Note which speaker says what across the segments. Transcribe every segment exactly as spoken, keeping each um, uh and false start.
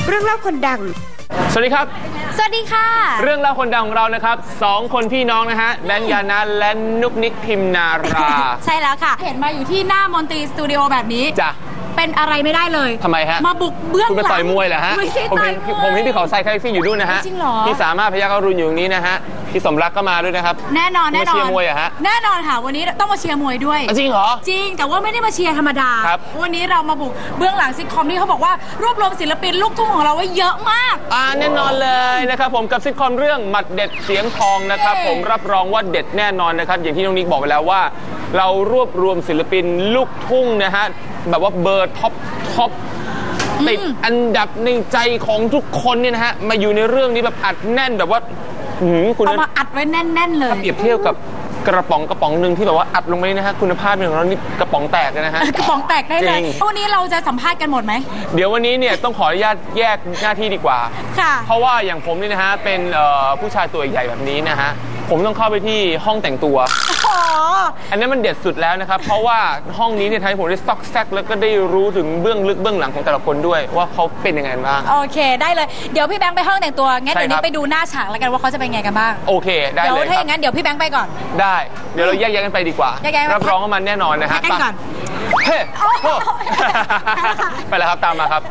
Speaker 1: เรื่องเล่าคนดัง
Speaker 2: สวัสดีครับ
Speaker 3: สวัสดีค่ะ
Speaker 2: เรื่องเล่าคนดังของเรานะครับสองคนพี่น้องนะฮะแบงค์ยานะและนุกนิกพิมนารา
Speaker 3: ใช่แล้วค่ะเห็นมาอยู่ที่หน้ามอนตรีสตูดิโอแบบนี้
Speaker 2: จ้ะ
Speaker 3: เป็นอะไรไม่ได้เลย
Speaker 2: ทำไมฮะ
Speaker 3: มาบุกเบื้องหลัง
Speaker 2: คุณไปต่อยมวยเหรอฮะ
Speaker 3: ไม่ใช่
Speaker 2: ผม
Speaker 3: ต่อ
Speaker 2: เห็
Speaker 3: ย
Speaker 2: นผมเห็นพี่เขาใส่คาแท็กซี่อยู่ด้วยนะฮะ
Speaker 3: จริงเหรอ
Speaker 2: พี่สามารถพยัคฆ์อรุณอยู่ตรงนี้นะฮะพี่สมรักก็มาด้วยนะครับ
Speaker 3: แน่นอนแน่นอน
Speaker 2: มาเชียร์มวยอะฮะ
Speaker 3: แน่นอนค่ะวันนี้ต้องมาเชียร์มวยด้วย
Speaker 2: จริงเหรอ
Speaker 3: จริงแต่ว่าไม่ได้มาเชียร์ธรรมดาวันนี้เรามาบุกเบื้องหลังซิทคอมที่เขาบอกว่ารวบรวมศิลปินลูกทุ่งของเราไว้เยอะมาก
Speaker 2: อ่าแน่นอนเลยนะครับผมกับซิทคอมเรื่องหมัดเด็ดเสียงทองนะครับผมรับรองว่าเด็ดแน่นอนนะครับอย่างที่น้องนิกบอกไปแล้วว่าเรารวบรวมศิลปินลูกทุ่งนะฮะแบบว่าเบอร์ท็อปท็อปติดอันดับในใจของทุกคนเนี่ยนะฮะมาอยู่ในเรื่องนี้แบบอัดแน่นแบบว่า
Speaker 3: คุณเอามาอัดไว้แน่นๆเลย
Speaker 2: เปรียบเทียบกับกระป๋องกระป๋องหนึ่งที่แบบว่าอัดลงไปนะฮะคุณภาพของเรานี่กระป๋องแตกเลยนะฮะ
Speaker 3: กระป๋องแตกได้เลยวันนี้เราจะสัมภาษณ์กันหมดไหม
Speaker 2: เดี๋ยววันนี้เนี่ยต้องขออนุญาตแยกหน้าที่ดีกว่า
Speaker 3: ค่ะ
Speaker 2: เพราะว่าอย่างผมนี่นะฮะเป็นผู้ชายตัวใหญ่แบบนี้นะฮะผมต้องเข้าไปที่ห้องแต่งตัวอันนี้มันเด็ดสุดแล้วนะครับเพราะว่าห้องนี้เนี่ยทำให้ผมได้ซอกแซกแล้วก็ได้รู้ถึงเบื้องลึกเบื้องหลังของแต่ละคนด้วยว่าเขาเป็นยังไงบ้าง
Speaker 3: โอเคได้เลยเดี๋ยวพี่แบงค์ไปห้องแต่งตัวงั้นเดี๋ยวนี้ไปดูหน้าฉากแล้วกันว่าเขาจะเป็นไงกันบ้าง
Speaker 2: โอเคได้เลย
Speaker 3: เดี๋ยวถ้าอย่างนั้นเดี๋ยวพี่แบงค์ไปก่อน
Speaker 2: ได้เดี๋ยวเราแยกย้ายกันไปดีกว่ารับรองว่ามันแน่นอนนะฮะ
Speaker 3: ไปก่อน
Speaker 2: เฮ้ไปแล้วครับตามมาครับ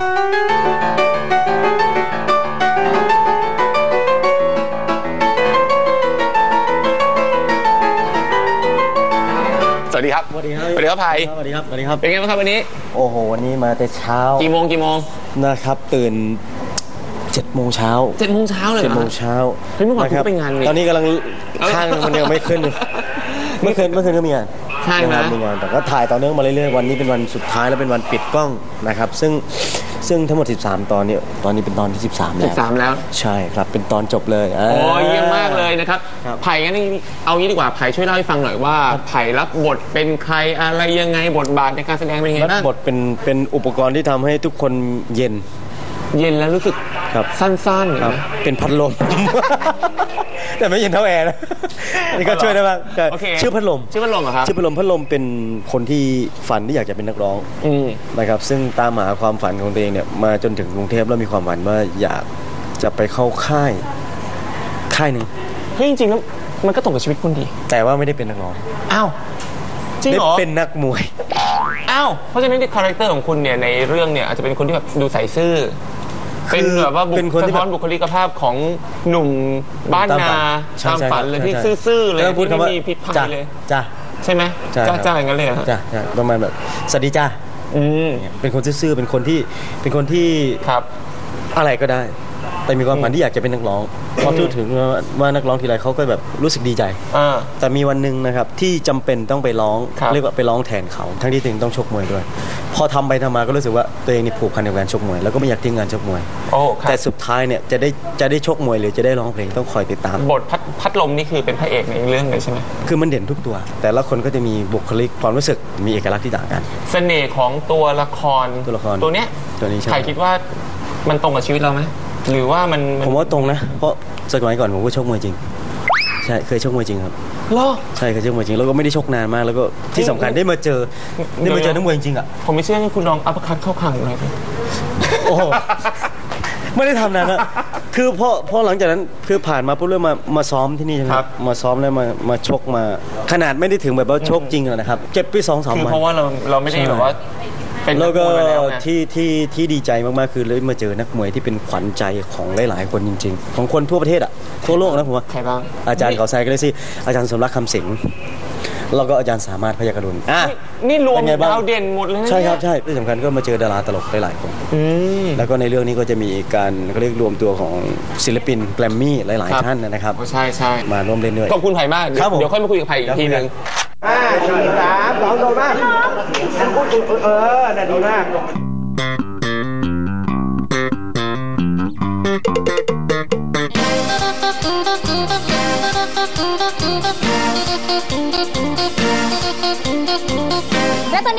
Speaker 2: สวัสดีครับสวัสดีครับสวัสดีครับไผ่
Speaker 4: สวัสดีครับสวัสดีครับ
Speaker 2: เป็นไงบ้างครับวันนี้
Speaker 4: โอ้โหวันนี้มาแต่เช้า
Speaker 2: กี่โมงกี่โมง
Speaker 4: นะครับตื่นเจ็ดโมงเช้า
Speaker 2: เจ็ดโมงเช้าเลย
Speaker 4: เจ็ดโมงเช้า
Speaker 2: เฮ้ยเมื่อวานคุณไปงาน
Speaker 4: ตอนนี้กำลังข้างมันยังไม่ขึ้นเมื่อคืนเมื่อคืนก็มีงาน
Speaker 2: ใช่ไหม
Speaker 4: มีงานแต่ก็ถ่ายต่อเนื่องมาเรื่อยๆวันนี้เป็นวันสุดท้ายแล้วเป็นวันปิดกล้องนะครับซึ่งซึ่งทั้งหมดสิบสามตอนเนี่ยตอนนี้เป็นตอนที่สิบสามแล้ว
Speaker 2: สิบสามแล้ว
Speaker 4: ใช่ครับเป็นตอนจบเลย
Speaker 2: โอ้ยเยี่ยมมากเลยนะครับไผ่งั้นเอางี้ดีกว่าไผ่ช่วยเล่าให้ฟังหน่อยว่าไผ่รับบทเป็นใครอะไรยังไงบทบาทในการแสดงเป็นยังไงบ้าง
Speaker 4: รับบทเป็นเป็นอุปกรณ์ที่ทำให้ทุกคนเย็น
Speaker 2: เย็นแล้วรู้สึกสั้นๆ
Speaker 4: ครับเป็นพัดลมแต่ไม่เย็นเท่าแอร์นะนี่ก็ช่วยได้บ้างชื่อพัดลม
Speaker 2: ชื่อพัดลมเหรอครับ
Speaker 4: ชื่อพัดลมพัดลมเป็นคนที่ฝันที่อยากจะเป็นนักร้องนะครับซึ่งตามหาความฝันของตัวเองเนี่ยมาจนถึงกรุงเทพแล้วมีความฝันว่าอยากจะไปเข้าค่ายค่ายหนึ่ง
Speaker 2: เฮ้ยจริงๆแล้วมันก็ตรงกับชีวิตคุณดี
Speaker 4: แต่ว่าไม่ได้เป็นนักร้อง
Speaker 2: อ้าวจริงเหรอ
Speaker 4: เป็นนักมวย
Speaker 2: อ้าวเพราะฉะนั้นคาแรคเตอร์ของคุณเนี่ยในเรื่องเนี่ยอาจจะเป็นคนที่แบบดูใส่ซื่อเป็นแบบว่าบุคลิกบุคลิกภาพของหนุ่มบ้านนาตามฝันเลยที่ซื่อๆเลยที่ไม่มีพิษภัยเลย
Speaker 4: จ้า
Speaker 2: ใช่ไหมจ้าจ้าอย่างนั้นเลย
Speaker 4: จ้าประมาณแบบสวัสดีจ้าเป็นคนซื่อๆเป็นคนที่เป็นคนที่อะไรก็ได้แต่มีความฝันที่อยากจะเป็นนักร้องพอพูดถึงว่านักร้องทีไรเขาก็แบบรู้สึกดีใจแต่มีวันหนึ่งนะครับที่จำเป็นต้องไปร้องเรียกว่าไปร้องแทนเขาทั้งที่ตัวเองต้องชกมวยด้วยพอทำไปทำมาก็รู้สึกว่าตัวเองนี่ผูกพันกับการชกมวยแล้วก็ไม่อยากทิ้งงานชกมวยแต่สุดท้ายเนี่ยจะได้จะได้ชกมวยหรือจะได้ร้องเพลงต้องคอยติดตาม
Speaker 2: บทพัดลมนี่คือเป็นพระเอกในเรื่องเลยใช่ไหม
Speaker 4: คือมันเด่นทุกตัวแต่ละคนก็จะมีบุคลิกความรู้สึกมีเอกลักษณ์ที่ต่างกัน
Speaker 2: เสน่ห์ของตัวละคร
Speaker 4: ตัวละคร
Speaker 2: ตัวเนี้ย
Speaker 4: ตัวนี้
Speaker 2: ใครคิดว่ามันตรงกับชีวิตเราไหมหรือว่ามัน
Speaker 4: ผมว่าตรงนะเพราะสมัยก่อนผมก็ชกมวยจริงใช่เคยชกมวยจริงครับ
Speaker 2: เหรอ
Speaker 4: ใช่เคยชกมวยจริงแล้วก็ไม่ได้ชกนานมากแล้วก็ที่สำคัญได้มาเจอได้มาเจอนักมวยจริงอ่ะ
Speaker 2: ผมไม่เชื่อให้คุณลองอัปคัตเข้าขังหน่อย
Speaker 4: โอ้ไม่ได้ทำนานนะคือพอพอหลังจากนั้นคือผ่านมาปุ๊บเริ่มมามาซ้อมที่นี่ใช่ไหมครับมาซ้อมแล้วมามาชกมาขนาดไม่ได้ถึงแบบว่าชกจริงนะครับเจ็บไปสองสามวัน
Speaker 2: คือเพราะว่าเราเราไม่ได้แบบว่า
Speaker 4: แล้วก็ที่ที่ที่ดีใจมากๆคือเลยมาเจอนักมวยที่เป็นขวัญใจของหลายๆคนจริงๆของคนทั่วประเทศอ่ะทั่วโลกนะผมว่า
Speaker 2: ใครบ้าง
Speaker 4: อาจารย์เขาใส่ก็เลยสิอาจารย์สมรักคำสิงห์แล้วก็อาจารย์สามารถพยัคฆ์อรุณอ่ะ
Speaker 2: นี่รวมดาวเด่นหมดเลย
Speaker 4: ใช่ครับใช่ที่สำคัญก็มาเจอดาราตลกหลายๆคนแล้วก็ในเรื่องนี้ก็จะมีการเขาเรียกรวมตัวของศิลปินแกรมมี่หลายๆท่านนะครับ
Speaker 2: ใช่ใช่
Speaker 4: มาร่วมเล่นด้วย
Speaker 2: ขอบคุณไผ่มากเดี๋ยวค่อยมาคุยกับไผ่อีกทีนึง
Speaker 5: ห้าสี่สามสองโดนมากเออน่าดีมาก
Speaker 3: และตอนนี้นี่ก็อยู่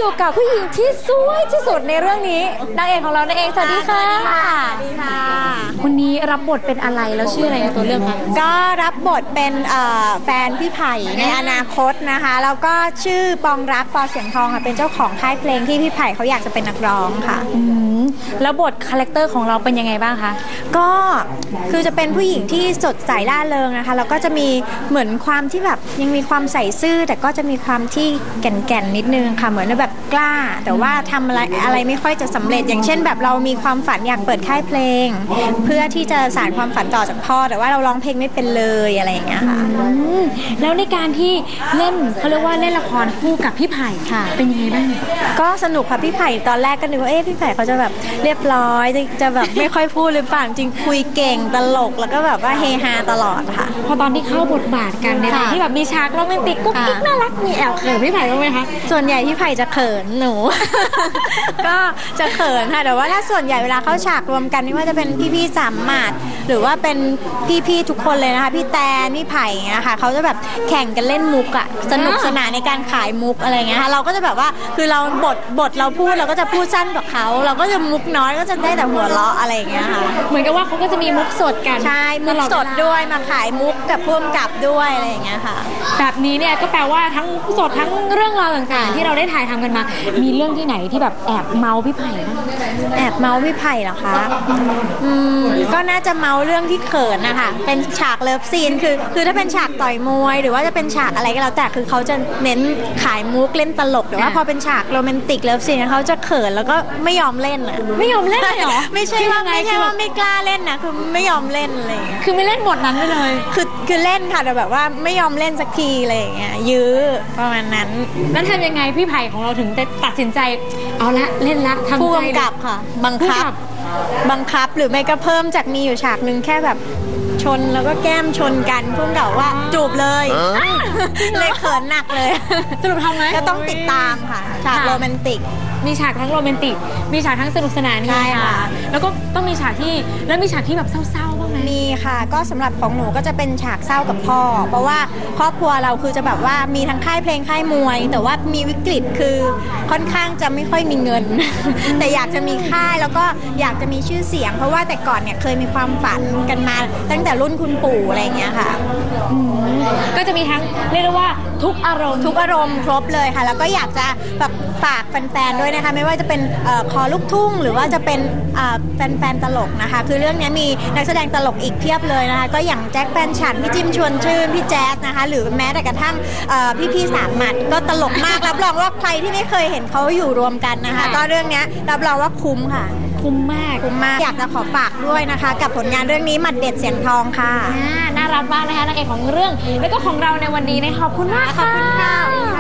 Speaker 1: อยู่กับผู้หญิงที่สวยที่สุดในเรื่องนี้นางเอกของเรานั่นเองสวัสดีค่ะ
Speaker 6: สวัสดีค่ะ
Speaker 1: วันนี้รับบทเป็นอะไรแล้วชื่ออะไรในตัวเรื่องคะ
Speaker 6: ก็รับบทเป็นเอ่อแฟนพี่ไผ่ในอนาคตนะคะแล้วก็ชื่อปองรักปอเสียงทองค่ะเป็นเจ้าของค่ายเพลงที่พี่ไผ่เขาอยากจะเป็นนักร้องค่ะ
Speaker 1: อืมแล้วบทคาแรคเตอร์ของเราเป็นยังไงบ้างคะ
Speaker 6: ก็คือจะเป็นผู้หญิงที่สดใสร่าเริงนะคะแล้วก็จะมีเหมือนความที่แบบยังมีความใส่ซื่อแต่ก็จะมีความที่แก่นๆนิดนึงค่ะเหมือนแบบกล้า แต่ว่าทำอะไรอะไรไม่ค่อยจะสำเร็จอย่างเช่นแบบเรามีความฝันอยากเปิดค่ายเพลง เพื่อที่จะสานความฝันต่อจากพ่อแต่ว่าเราร้องเพลงไม่เป็นเลยอะไรอย่างเงี้ยค่ะ
Speaker 1: อืมแล้วในการที่เล่นเขาเรียกว่าเล่นละครคู่กับพี่ไผ่ค่ะ เป็นยังไงบ้าง
Speaker 6: ก็สนุกค่ะพี่ไผ่ตอนแรกก็นึกว่าเอ๊ะพี่ไผ่เขาจะแบบเรียบร้อยจะจะแบบไม่ค่อยพูดหรือเปล่าจริงคุยเก่งตลกแล้วก็แบบว่าเฮฮาตลอดค่ะ
Speaker 1: พอตอนที่เข้าบทบาทกันใน
Speaker 6: ค่ะ
Speaker 1: ที่แบบมีฉากโรแมนติกกุ๊กกิ๊ก
Speaker 6: ค่ะ
Speaker 1: น่ารักมีแอบเขินพี่ไผ่บ้างไหมคะ
Speaker 6: ส่วนใหญ่พี่ไผ่จะเขินหนู ก็จะเขินค่ะแต่ว่าถ้าส่วนใหญ่เวลาเข้าฉากรวมกันไม่ว่าจะเป็นพี่ๆสามหมัดหรือว่าเป็นพี่ๆทุกคนเลยนะคะพี่แตนพี่ไผ่อย่างเงี้ยค่ะเขาจะแบบแข่งกันเล่นมุกอะสนุกสนานในการขายมุกอะไรเงี้ยค่ะเราก็จะแบบว่าคือเราบทบทเราพูดเราก็จะพูดสั้นกว่าเขาเราก็จะมุกน้อยก็จะได้แต่หัวเราะอะไรอย่างเงี้ยค่ะ
Speaker 1: เหมือนกับว่าเขาก็จะมีมุกสดกัน
Speaker 6: ใช่มุก
Speaker 1: ตลอ
Speaker 6: สด
Speaker 1: เวลา
Speaker 6: ด้วยมาขายมุกกับพ่วงกับด้วยอะไรอย่างเงี้ยค่ะ
Speaker 1: แบบนี้เนี่ยก็แปลว่าทั้งมุกสดทั้งเรื่องราวต่างๆ ที่เราได้ถ่ายทำกันมา มีเรื่องที่ไหนที่แบบแอบเมาพี่ไผ่บ้าง
Speaker 6: แอบเมาส์พี่ไผ่เหรอคะอืมก็น่าจะเมาเรื่องที่เขินนะคะเป็นฉากเลิฟซีนคือคือถ้าเป็นฉากต่อยมวย หรือว่าจะเป็นฉากอะไรก็แล้วแต่คือเขาจะเน้นขายมุกเล่นตลกแต่ว่า
Speaker 1: อ่า
Speaker 6: พอเป็นฉากโรแมนติกเลิฟซีนเขาจะเขินแล้วก็ไม่ยอมเล่นอะ
Speaker 1: ไม่ยอมเล่นเลยเหรอ
Speaker 6: ไม่ใช่ว่า
Speaker 1: คือยังไง
Speaker 6: ไม่ใช่
Speaker 1: คือ
Speaker 6: ว่าไม่กล้าเล่นนะคือไม่ยอมเล่นอะไรอย่างเงี้ย
Speaker 1: คือไม่เล่นบทนั้นไปเลย
Speaker 6: คือคือเล่นค่ะแต่แบบว่าไม่ยอมเล่นสักทีอะไรอย่างเงี้ยยื้อประมาณนั้น
Speaker 1: แล้วทำยังไงพี่ไผ่ของเราถึงได้ตัดสินใจเอาละเล่นละทำ
Speaker 6: ผู้
Speaker 1: ใจเลย
Speaker 6: กำกับค่ะ บัง
Speaker 1: ผู้
Speaker 6: คับ
Speaker 1: กำกับ
Speaker 6: บังคับหรือไม่ก็เพิ่มจากมีอยู่ฉากหนึ่งแค่แบบชนแล้วก็แก้มชนกันพุ่งกับว่าจูบเลยเลยเขินหนักเลย
Speaker 1: สรุปทำไหม
Speaker 6: ก็ต้องติดตามค่ะฉากโรแมนติก
Speaker 1: มีฉากทั้งโรแมนติก มีฉากทั้งสนุกสนาน
Speaker 6: ใช่ค่ะ
Speaker 1: แล้วก็ต้องมีฉากที่แล้วมีฉากที่แบบเศร้าๆบ้างไหม
Speaker 6: มีค่ะก็สำหรับของหนูก็จะเป็นฉากเศร้ากับพ่อ เพราะว่าครอบครัวเราคือจะแบบว่ามีทั้งค่ายเพลงค่ายมวย แต่ว่ามีวิกฤตคือค่อนข้างจะไม่ค่อยมีเงิน แต่อยากจะมีค่ายแล้วก็อยากจะมีชื่อเสียง เพราะว่าแต่ก่อนเนี่ยเคยมีความฝันกันมาตั้งแต่รุ่นคุณปู่อะไรอย่างเงี้ยค่ะ
Speaker 1: ก็จะมีทั้งเรียกได้ว่าทุกอารมณ์
Speaker 6: ทุกอารมณ์ครบเลยค่ะ แล้วก็อยากจะแบบฝากแฟนๆด้วยนะคะ ไม่ว่าจะเป็นเอ่อคอลูกทุ่ง หรือว่าจะเป็นเอ่อแฟนๆตลกนะคะ คือเรื่องนี้มีนักแสดงตลกอีกเพียบเลยนะคะ ก็อย่างแจ็คแฟนฉันพี่จิมชวนชื่นพี่แจ๊สนะคะ หรือแม้แต่กระทั่งเอ่อพี่ๆสามหมัดก็ตลกมาก รับรองว่าใครที่ไม่เคยเห็นเขาอยู่รวมกันนะคะ ก็เรื่องนี้รับรองว่าคุ้มค่ะ
Speaker 1: คุ้มมาก
Speaker 6: คุ้มมากอยากจะขอฝากด้วยนะคะ กับผลงานเรื่องนี้หมัดเด็ดเสียงทองค่ะ
Speaker 1: อ่าน่ารักมากนะคะนางเอกของเรื่อง แล้วก็ของเราในวันนี้นะขอบคุณมาก
Speaker 6: ขอบคุณค่ะ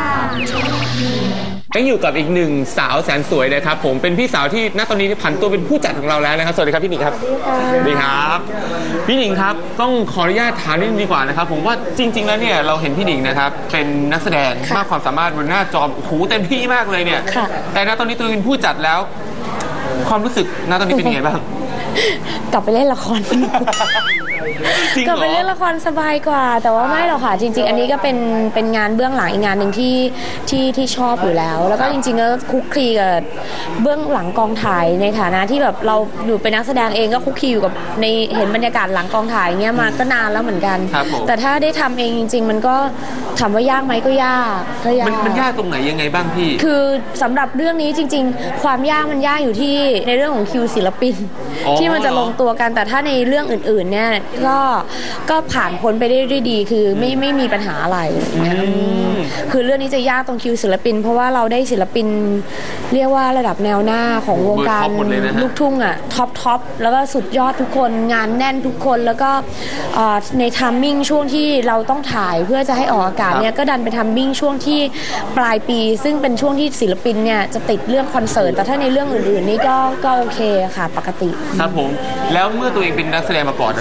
Speaker 2: ยังอยู่กับอีกหนึ่งสาวแสนสวยนะครับผมเป็นพี่สาวที่ณตอนนี้ผันตัวเป็นผู้จัดของเราแล้วนะครับสวัสดีครับพี่หนิงครับสวัสดีครับพี่หนิงครับต้องขออนุญาตถามนิดนึงดีกว่านะครับผมว่าจริง ๆแล้วเนี่ยเราเห็นพี่หนิงนะครับเป็นนักแสดงมากความสามารถบนหน้าจอโอ้โหเต็มที่มากเลยเนี่ยแต่ณตอนนี้ตัวเองเป็นผู้จัดแล้ว ความรู้สึกณตอนนี้เป็นยังไงบ้าง
Speaker 7: กลับไปเล่นละคร
Speaker 2: จริง
Speaker 7: กลับ
Speaker 2: เหร
Speaker 7: ไป
Speaker 2: อ
Speaker 7: เล่นละครสบายกว่า แต่ว่าไม่หรอกค่ะ จริง ๆ อันนี้ก็เป็นเป็นงานเบื้องหลังอีกงานหนึ่งที่ที่ที่ชอบอยู่แล้ว แล้วก็จริงๆก็คุกคลีกับเบื้องหลังกองถ่ายในฐานะที่แบบเราอยู่เป็นนักแสดงเองก็คุกคลีอยู่กับในเห็นบรรยากาศหลังกองถ่ายเงี้ยมาก็นานแล้วเหมือนกัน
Speaker 2: ครับผม
Speaker 7: แต่ถ้าได้ทำเองจริง ๆ มันก็ถามว่ายากไหมก็ยากก็ยาก
Speaker 2: มันมันยากตรงไหนยังไงบ้างพี่
Speaker 7: คือสำหรับเรื่องนี้จริง ๆ ความยากมันยากอยู่ที่ในเรื่องของคิวศิลปิน
Speaker 2: อ๋อ
Speaker 7: ที่มันจะลงตัวกันแต่ถ้าในเรื่องอื่นๆเนี่ยก็ก็ผ่านพ้นไปได้ด้วยดีคือไม่ไม่มีปัญหาอะไรอย่างเงี้ยคือเรื่องนี้จะยากตรงคิวศิลปิน เพราะว่าเราได้ศิลปินเรียกว่าระดับแนวหน้าของวงการ
Speaker 2: เบอร์ท็อปหมดเลยนะฮะ
Speaker 7: ลูกทุ่งอ่ะท็อปท็อปแล้วก็สุดยอดทุกคนงานแน่นทุกคนแล้วก็เอ่อในทัมมิ่งช่วงที่เราต้องถ่ายเพื่อจะให้ออกอากาศเนี่ยก็ดันไปทัมมิ่งช่วงที่ปลายปี ซึ่งเป็นช่วงที่ศิลปินเนี่ยจะติดเรื่องคอนเสิร์ตแต่ถ้าในเรื่องอื่นๆนี่ก็ก็โอเคค่ะปกติ
Speaker 2: ครับผมแล้วเมื่อตัวเองเป็นนักแสดงมาก่อนนะพี่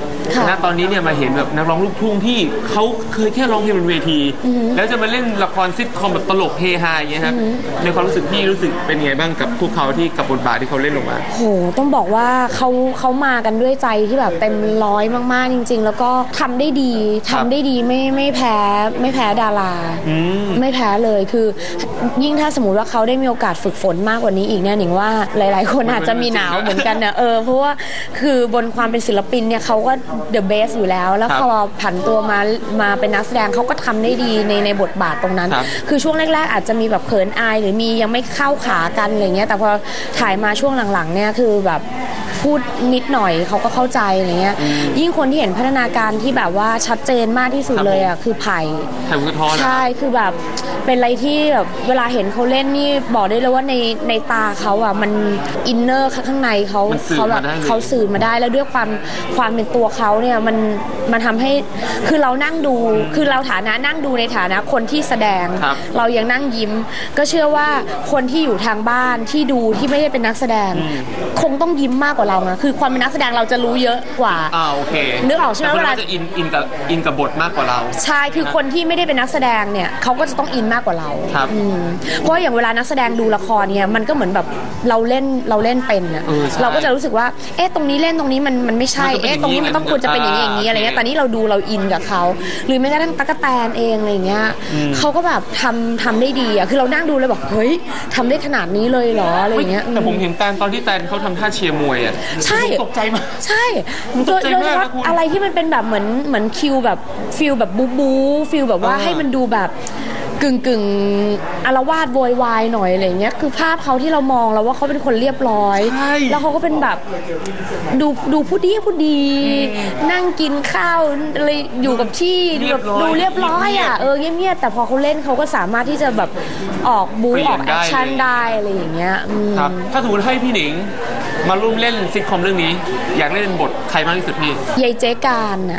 Speaker 2: ณตอนนี้เนี่ยมาเห็นแบบนักร้องลูกทุ่งที่เขาเคยแค่ร้องเพลงบนเวทีแล้วจะมาเล่นละครซิทคอมแบบตลกเฮฮาอย่างเงี้ยครับในความรู้สึกพี่รู้สึกเป็นไงบ้างกับพวกเขาที่กับบทบาทที่เขาเล่นลงมา
Speaker 7: โหต้องบอกว่าเขาเขามากันด้วยใจที่แบบเต็มร้อยมากๆจริงๆแล้วก็ทำได้ดีทำได้ดีไม่ไม่แพ้ไม่แพ้ดาราไม่แพ้เลยคือยิ่งถ้าสมมติว่าเขาได้มีโอกาสฝึกฝนมากกว่านี้อีกเนี่ยหนิงว่าหลายๆคนอาจจะมีหนาวเหมือนกันนะเออเพราะว่าคือบนความเป็นศิลปินเนี่ยเขาก็ the best อยู่แล้วแล้วพอผันตัวมามาเป็นนักแสดงเขาก็ทำได้ดีในในบทบาทตรงนั้นคือช่วงแรกๆอาจจะมีแบบเขินอายหรือมียังไม่เข้าขากันอะไรเงี้ยแต่พอถ่ายมาช่วงหลังๆเนี่ยคือแบบพูดนิดหน่อยเขาก็เข้าใจอะไรเงี้ยยิ่งคนที่เห็นพัฒนาการที่แบบว่าชัดเจนมากที่สุดเลยอ่ะคือไผ่
Speaker 2: ไผ่บุญทร
Speaker 7: ใช่คือแบบเป็นอะไรที่แบบเวลาเห็นเขาเล่นนี่บอกได้เลยว่าในในตาเขาอ่ะมันอินเนอร์ข้างในเขาเขาแบบเขาสื่อมาได้แล้วด้วยความความเป็นตัวเขาเนี่ยมันมันทำให้คือเรานั่งดูคือเราฐานะนั่งดูในฐานะคนที่แสดงเรายังนั่งยิ้มก็เชื่อว่าคนที่อยู่ทางบ้านที่ดูที่ไม่ได้เป็นนักแสดงคงต้องยิ้มมากกว่าเรานะคือความเป็นนักแสดงเราจะรู้เยอะกว่า
Speaker 2: อ่าโอเค
Speaker 7: นึกออกใช่ไหมเวลา
Speaker 2: จะอินอินกับอินกับบทมากกว่าเรา
Speaker 7: ใช่คือคนที่ไม่ได้เป็นนักแสดงเนี่ยเขาก็จะต้องอินมากกว่าเรา
Speaker 2: ครับ
Speaker 7: เพราะอย่างเวลานักแสดงดูละครเนี่ยมันก็เหมือนแบบเราเล่นเราเล่นเป็นอะเราก็จะรู้สึกว่าเอ๊ะตรงนี้เล่นตรงนี้มันมันไม่ใช่เอ๊ะตรงนี้มันต้องควรจะเป็นอย่างนี้อย่างนี้อะไรเงี้ยแต่นี่เราดูเราอินกับเขาหรือแม้กระทั่งตั๊กแตนเองอะไรเงี้ยเขาก็แบบทำทำได้ดีอะคือเรานั่งดูเลยบอกเฮ้ยทำได้ขนาดนี้เลยเหรออะไรเงี้ย
Speaker 2: แต่ผมเห็นแตนตอนที่แตนเขาทำท่าเชียร์มวยอะ
Speaker 7: ใช่
Speaker 2: ตกใจมาก
Speaker 7: ใช่โดยเฉพาะอะไรที่มันเป็นแบบเหมือนเหมือนคิวแบบฟิลแบบบูบูฟิลแบบว่าให้มันดูแบบกึ่งกึ่งอารวาสโวยวายหน่อยอะไรเงี้ยคือภาพเขาที่เรามองแล้วว่าเขาเป็นคนเรียบร้อยแล้วเขาก็เป็นแบบดูดูผู้ดีผู้ดีนั่งกินข้าวอะไรอยู่กับที่ดูแบบดูเรียบร้อยอ่ะเออเงียบๆแต่พอเขาเล่นเขาก็สามารถที่จะแบบออกบูออกแอคชั่นได้อะไรอย่างเงี้ย
Speaker 2: ครับถ้าสมมติให้พี่หนิงมาร่วมเล่นซิทคอมเรื่องนี้อยากเล่นบทใครมากที่สุดพี่
Speaker 7: ยายเจ๊การอ่ะ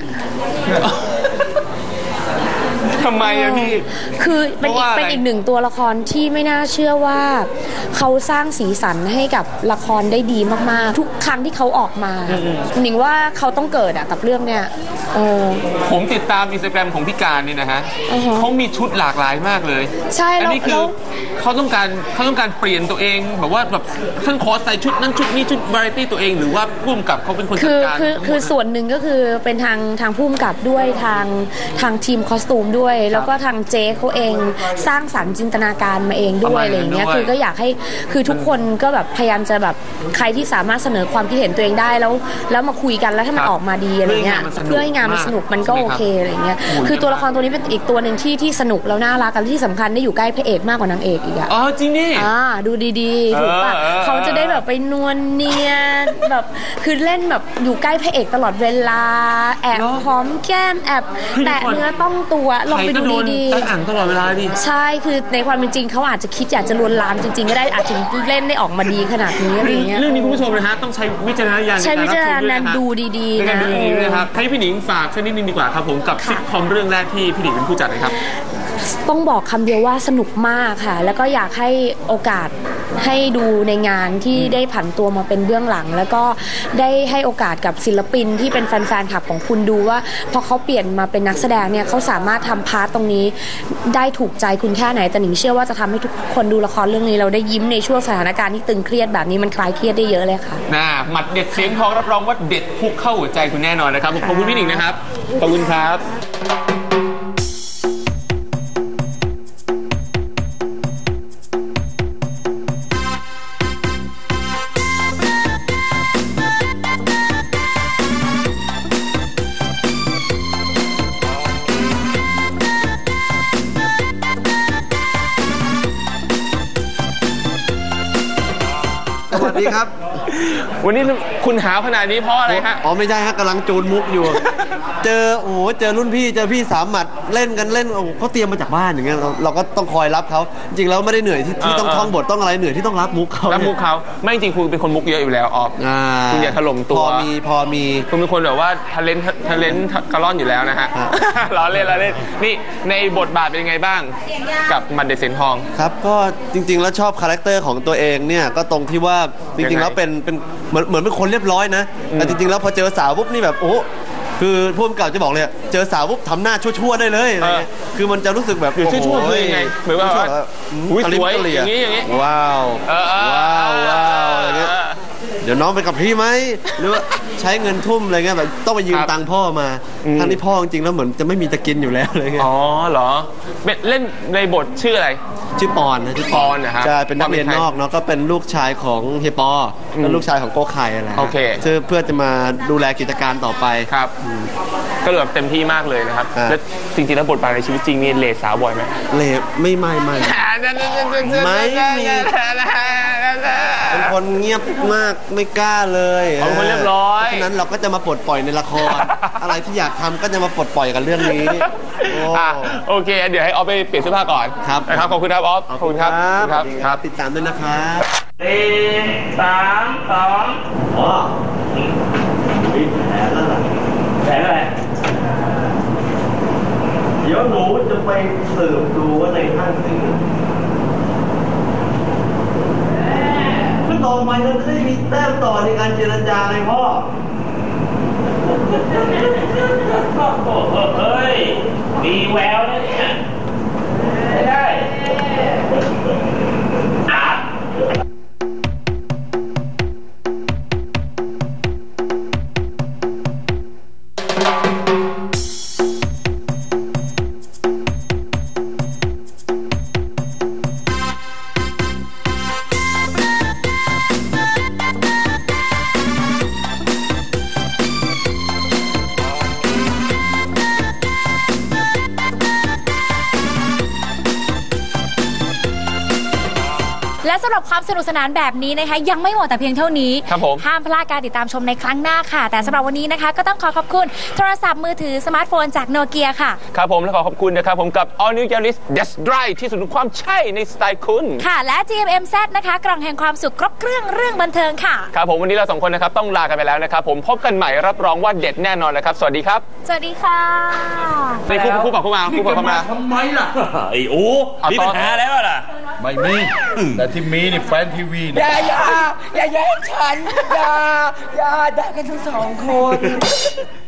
Speaker 2: ทำไมอะพี่
Speaker 7: คือเป็นอีกเป็นอีกหนึ่งตัวละครที่ไม่น่าเชื่อว่าเขาสร้างสีสันให้กับละครได้ดีมากๆทุกครั้งที่เขาออกมาหนิงว่าเขาต้องเกิดอะกับเรื่องเนี้ย
Speaker 2: ผมติดตามอินสตาแกรมของพี่การนี่นะฮะเขามีชุดหลากหลายมากเลย
Speaker 7: ใช่
Speaker 2: อันนี้คือเขาต้องการเขาต้องการเปลี่ยนตัวเองแบบว่าแบบท่านขอใส่ชุดนั้นชุดนี้ชุดวาไรตี้ตัวเองหรือว่าผู้กำกับเขาเป็นคนจัดการ
Speaker 7: คือคือส่วนหนึ่งก็คือเป็นทางทางผู้กำกับด้วยทางทางทีมคอสตูมด้วยแล้วก็ทางเจ๊เขาเองสร้างสรรค์จินตนาการมาเองด้วยอะไรอย่างเงี้ยคือก็อยากให้คือทุกคนก็แบบพยายามจะแบบใครที่สามารถเสนอความคิดเห็นตัวเองได้แล้วแล้วมาคุยกันแล้วถ้ามันออกมาดีอะไรเงี้ยเพื่อให้งานมันสนุกมันก็โอเคอะไรเงี้ยคือตัวละครตัวนี้เป็นอีกตัวหนึ่งที่ที่สนุกแล้วน่ารักกันที่สำคัญได้อยู่ใกล้พระเอกมากกว่านางเอกอีกอะ
Speaker 2: อ๋อจริงนี่
Speaker 7: อ่าดูดีๆถูกป่ะเขาจะได้แบบไปนวลเนียแบบคือเล่นแบบอยู่ใกล้พระเอกตลอดเวลาแอบหอมแก้มแอบแตะเนื้อต้องตัวลองไปดูดี
Speaker 2: ๆตั้งอ่างตลอดเวลาดิ
Speaker 7: ใช่คือในความเป็นจริงเขาอาจจะคิดอยากจะลวนลามจริงๆก็ได้อาจจะเล่นได้ออกมาดีขนาดนี้อะไรเงี้ย
Speaker 2: เรื่องนี้คุณผู้ชมนะฮะต้องใช้วิจารณญาณ
Speaker 7: ใช้วิจารณญาณดูดีๆนะ
Speaker 2: นะครับให้พี่หนิงฝากสักนิดนึงดีกว่าครับผมกับซิทคอมเรื่องแรกที่พี่หนิงเป็นผู้จัดเลยครับ
Speaker 7: ต้องบอกคำเดียวว่าสนุกมากค่ะแล้วก็อยากให้โอกาสให้ดูในงานที่ได้ผันตัวมาเป็นเบื้องหลังแล้วก็ได้ให้โอกาสกับศิลปินที่เป็นแฟนๆคลับของคุณดูว่าพอเขาเปลี่ยนมาเป็นนักแสดงเนี่ยเขาสามารถทำพาร์ตตรงนี้ได้ถูกใจคุณแค่ไหนแต่หนิงเชื่อว่าจะทำให้ทุกคนดูละครเรื่องนี้เราได้ยิ้มในช่วงสถานการณ์ที่ตึงเครียดแบบนี้มันคลายเครียดได้เยอะเลยค่ะ
Speaker 2: น่าหมัดเด็ดเสียงทองรับรองว่าเด็ดพุกเข้าหัวใจคุณแน่นอนนะครับขอบคุณพี่หนิงนะครับขอบคุณครับ
Speaker 5: สวัสดีครับ
Speaker 2: วันนี้คุณหาวขนาดนี้เพราะอะไรฮะ
Speaker 5: อ๋อไม่ใช่ฮะกำลังจูนมุกอยู่เจอโอ้โหเจอรุ่นพี่เจอพี่สามหมัดเล่นกันเล่นโอ้เขาเตรียมมาจากบ้านอย่างเงี้ยเราเราก็ต้องคอยรับเขาจริงแล้วไม่ได้เหนื่อยที่ที่ต้องท่องบทต้องอะไรเหนื่อยที่ต้องรับมุกเขา
Speaker 2: รับมุกเขาไม่จริงคุณเป็นคนมุกเยอะอยู่แล้วออฟคุณอย่าถล่มตัว
Speaker 5: พอมีพอมี
Speaker 2: คุณเป็นคนแบบว่าทะเลนทะเลนกระล่อนอยู่แล้วนะฮะล้อเล่นล้อเล่นนี่ในบทบาทเป็นยังไงบ้างกับหมัดเด็ดเสียงทอง
Speaker 5: ครับก็จริงๆแล้วชอบคาแรคเตอร์ของตัวเองเนี่ยก็ตรงที่ว่าจริงๆแล้วเป็นเป็นเหมือนเหมือนเป็นคนเรียบร้อยนะแต่จริงๆแล้วพอเจอสาวปุ๊บนี่แบบโอ้คือผู้กำกับจะบอกเลยอะเจอสาวปุ๊บทำหน้าชั่วๆได้เลยอะไรเงี้ยคือมันจะรู้สึกแบบ
Speaker 2: คือชั่วๆคือยังไงเหมือนว่า
Speaker 5: ชั่วๆแบบ
Speaker 2: อุ๊ย
Speaker 5: กะลิบ
Speaker 2: สวย
Speaker 5: กะเหลี่
Speaker 2: อย่างนี้อย่างนี้
Speaker 5: ว้าว
Speaker 2: เออเออ
Speaker 5: ว้าวว้าวอะไรเงี้ย
Speaker 2: เออ
Speaker 5: เดี๋ยวน้องไปกับพี่ไหมหรือว่าใช้เงินทุ่มอะไรเงี้ยแบบต้องไปยืม
Speaker 2: ครับ
Speaker 5: ตังค์พ่อมา
Speaker 2: อืม
Speaker 5: ทั้งที่พ่อจริงๆแล้วเหมือนจะไม่มีจะกินอยู่แล้วอะไรเงี้ย
Speaker 2: อ๋อเหรอเป็นเล่นในบทชื่ออะไร
Speaker 5: ชื่อปอนนะชื่อ
Speaker 2: ปอนเหรอครับ
Speaker 5: ใช่เป็นนักเรียนนอกเนาะก็เป็นลูกชายของเฮียปออ
Speaker 2: ม
Speaker 5: เป็นลูกชายของโกไข่อะไรฮะ
Speaker 2: โอเค
Speaker 5: ซึ่งเพื่อจะมาดูแลกิจการต่อไป
Speaker 2: ครับก็เลยแบบเต็มที่มากเลยนะครับ
Speaker 5: อ่า
Speaker 2: แล้วจริงๆแล้วบทบาทในชีวิตจริงนี่เลสาวบ่อยไหม
Speaker 5: เละไม่ไม่ไม่ ไม่มี เป็นคนเงียบมากไม่กล้าเลย
Speaker 2: เป็นคนเรียบร้อย
Speaker 5: เพราะฉะนั้นเราก็จะมาปลดปล่อยในละคร อะไรที่อยากทำก็จะมาปลดปล่อยกันเรื่องนี้โอ้
Speaker 2: อ่ะโอเค เดี๋ยวให้ออฟไปเปลี่ยนเสื้อผ้าก่อน
Speaker 5: ครับ
Speaker 2: นะครับขอบคุณครับออฟขอบคุณครับ
Speaker 5: ครับ
Speaker 2: ครับ
Speaker 5: ติดตามด้วยนะครับ
Speaker 8: สี่สามสองอ๋อมีแผลแล้วล่ะแผลอะไรเดี๋ยวหนูจะไปสืบดูว่าในห้างสิงคือต่อไปเราจะได้มีแต้มต่อในการเจรจาไงพ่อโอ้โหเฮ้ยมีแววนะเนี่ยไม่ได้อ่ะ
Speaker 3: และสำหรับความสนุกสนานแบบนี้นะคะยังไม่หมดแต่เพียงเท่านี้
Speaker 2: ครับผม
Speaker 3: ห้ามพลาดการติดตามชมในครั้งหน้าค่ะ แต่สำหรับวันนี้นะคะก็ต้องขอขอบคุณโทรศัพท์มือถือสมาร์ทโฟนจากโนเกียค่ะ
Speaker 2: ครับผมและขอขอบคุณนะครับผมกับ All New Yaris That's Right ที่สุดของความใช่ในสไตล์คุณ
Speaker 3: ค่ะ และ จี เอ็ม เอ็ม แซด นะคะกล่องแห่งความสุขครบเครื่องเรื่องบันเทิงค่ะ
Speaker 2: ครับผมวันนี้เราสองคนนะครับต้องลากันไปแล้วนะครับผมพบกันใหม่รับรองว่าเด็ดแน่นอนเลยครับ สวัสดีครับ
Speaker 3: สวัสดีค่ะ
Speaker 2: นี่คู่คู่ปากคู่มาคู่ปากคู่มา
Speaker 8: ทำไมล่ะ ไอ้โอ้
Speaker 2: เอา
Speaker 8: มี
Speaker 2: ต่อ
Speaker 8: ปัญหาแล้วล่ะ
Speaker 9: ไม่มี แต่ที่มีนี่แฟนทีวี
Speaker 10: อ
Speaker 9: เนี่ย
Speaker 10: ย่าอย่าอย่าแย่งฉัน อย่าอย่าด่ากันทั้งสองคน